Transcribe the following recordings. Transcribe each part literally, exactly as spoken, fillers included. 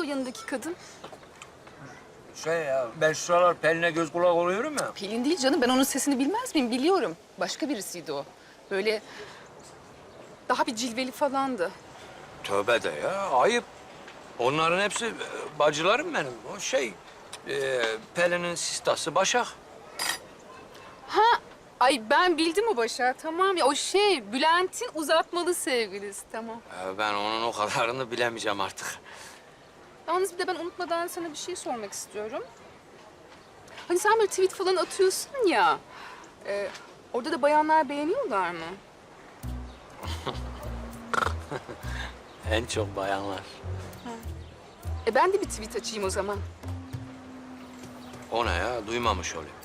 o yanındaki kadın? Şey ya, ben şu sıralar Pelin'e göz kulak oluyorum ya. Pelin değil canım. Ben onun sesini bilmez miyim? Biliyorum. Başka birisiydi o. Böyle daha bir cilveli falandı. Tövbe de ya, ayıp. Onların hepsi e, bacılarım benim. O şey, e, Pelin'in sistası Başak. Ha, ay ben bildim o Başar. Tamam ya o şey Bülent'in uzatmalı sevgilisi. Tamam. E, ben onun o kadarını bilemeyeceğim artık. Yalnız bir de ben unutmadan sana bir şey sormak istiyorum. Hani sen böyle tweet falan atıyorsun ya. E, orada da bayanlar beğeniyorlar mı? En çok bayanlar. E ben de bir tweet açayım o zaman. O ne ya? Duymamış olayım.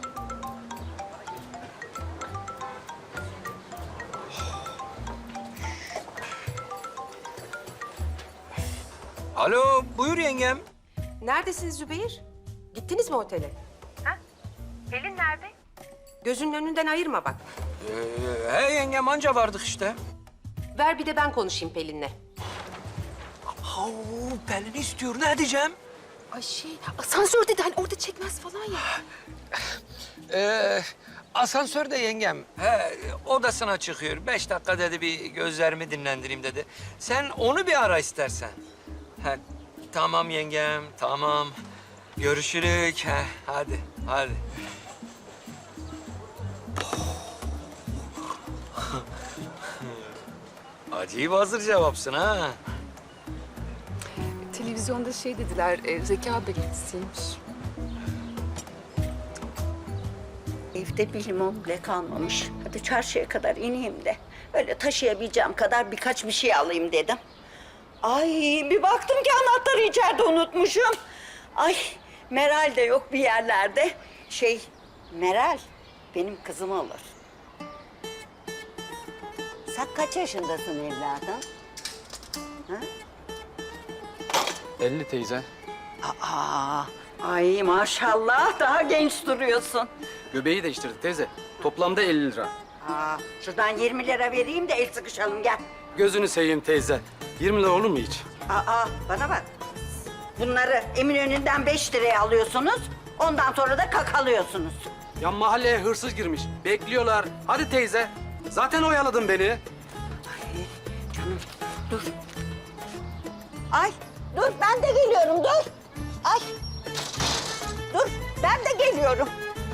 Alo, buyur yengem. Neredesiniz Zübeyir? Gittiniz mi otele? Ha? Pelin nerede? Gözünün önünden ayırma bak. Ee, he yengem, anca vardık işte. Ver bir de ben konuşayım Pelin'le. Oo, Pelin istiyor, ne diyeceğim? Ay şey asansörde de hani orada çekmez falan ya. Ee, asansörde yengem. He, odasına çıkıyor. Beş dakika dedi, bir gözlerimi dinlendireyim dedi. Sen onu bir ara istersen. He, tamam yengem, tamam. Görüşürük. He, hadi, hadi. Acayip hazır cevapsın ha. Televizyonda şey dediler, e, zeka belirtisiymiş. Evde bir limon bile kalmamış. Hadi çarşıya kadar ineyim de öyle taşıyabileceğim kadar birkaç bir şey alayım dedim. Ay bir baktım ki anahtarı içeride unutmuşum. Ay Meral de yok bir yerlerde. Şey Meral benim kızım olur. Sen kaç yaşındasın evladım? Ha? elli teyze. Aa, ay maşallah daha genç duruyorsun. Göbeği değiştirdik teyze. Toplamda elli lira. Aa, şuradan yirmi lira vereyim de el sıkışalım gel. Gözünü seveyim teyze. yirmi lira olur mu hiç? Aa, bana bak. Bunları Eminönü'nden beş liraya alıyorsunuz. Ondan sonra da kakalıyorsunuz. Ya mahalleye hırsız girmiş. Bekliyorlar. Hadi teyze. Zaten oyaladın beni. Ay, canım dur. Ay dur ben de geliyorum dur. Ay. Dur ben de geliyorum.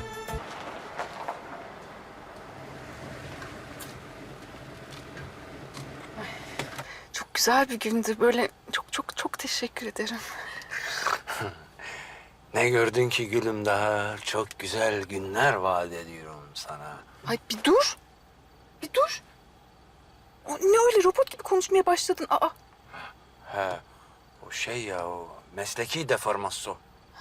Çok güzel bir gündü. Böyle çok çok çok teşekkür ederim. Ne gördün ki gülüm, daha çok güzel günler vaat ediyorum sana. Ay bir dur. Bir dur. O, ne öyle robot gibi konuşmaya başladın? Aa. He, o şey ya, o mesleki deformasyon.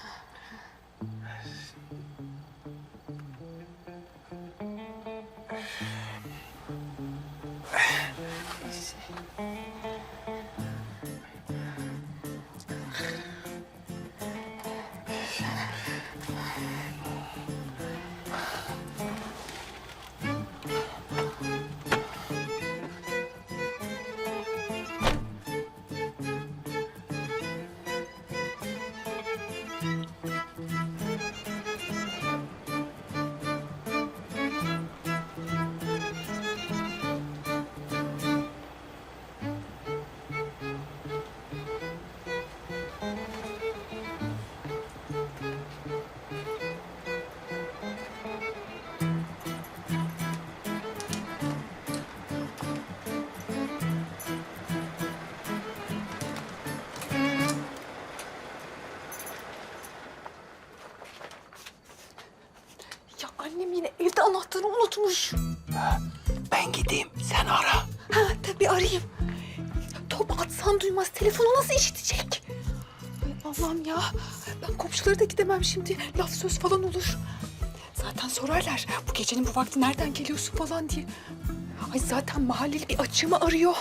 Ya annem yine evde anahtarı unutmuş. Ben gideyim, sen ara. Ha tabii arayayım. Top atsan duymaz. Telefonu nasıl işitecek? Ay Allah'ım ya. Ben komşulara da gidemem şimdi. Laf söz falan olur. Zaten sorarlar. Bu gecenin bu vakti nereden geliyorsun falan diye. Ay zaten mahalleli bir açığımı arıyor.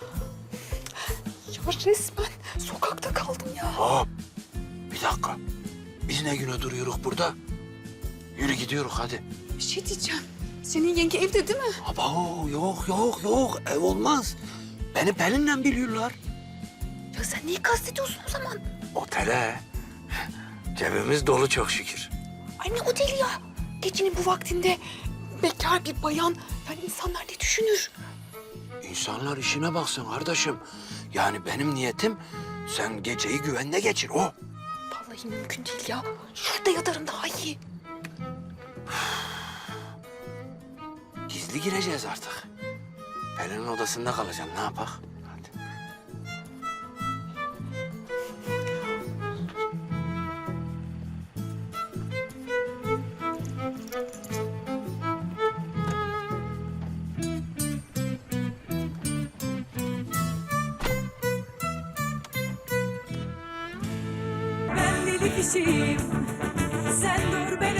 Ya resmen sokakta kaldım ya. Hop, bir dakika. Biz ne güne duruyoruz burada? Yürü gidiyoruz hadi. Bir şey diyeceğim. Senin yenge evde değil mi? Aba yok yok yok, ev olmaz. Beni Pelin'le biliyorlar. Ya sen neyi kastediyorsun o zaman? Otele. Cebimiz dolu çok şükür. Ay ne oteli ya? Gecenin bu vaktinde bekar bir bayan. Yani insanlar ne düşünür? İnsanlar işine baksın kardeşim. Yani benim niyetim sen geceyi güvende geçir o. Vallahi mümkün değil ya. Şurada yatarım daha iyi. Gizli gireceğiz artık. Pelin'in odasında kalacağım. Ne yapak? Hadi. Ben deli kişiyim, sen dur beni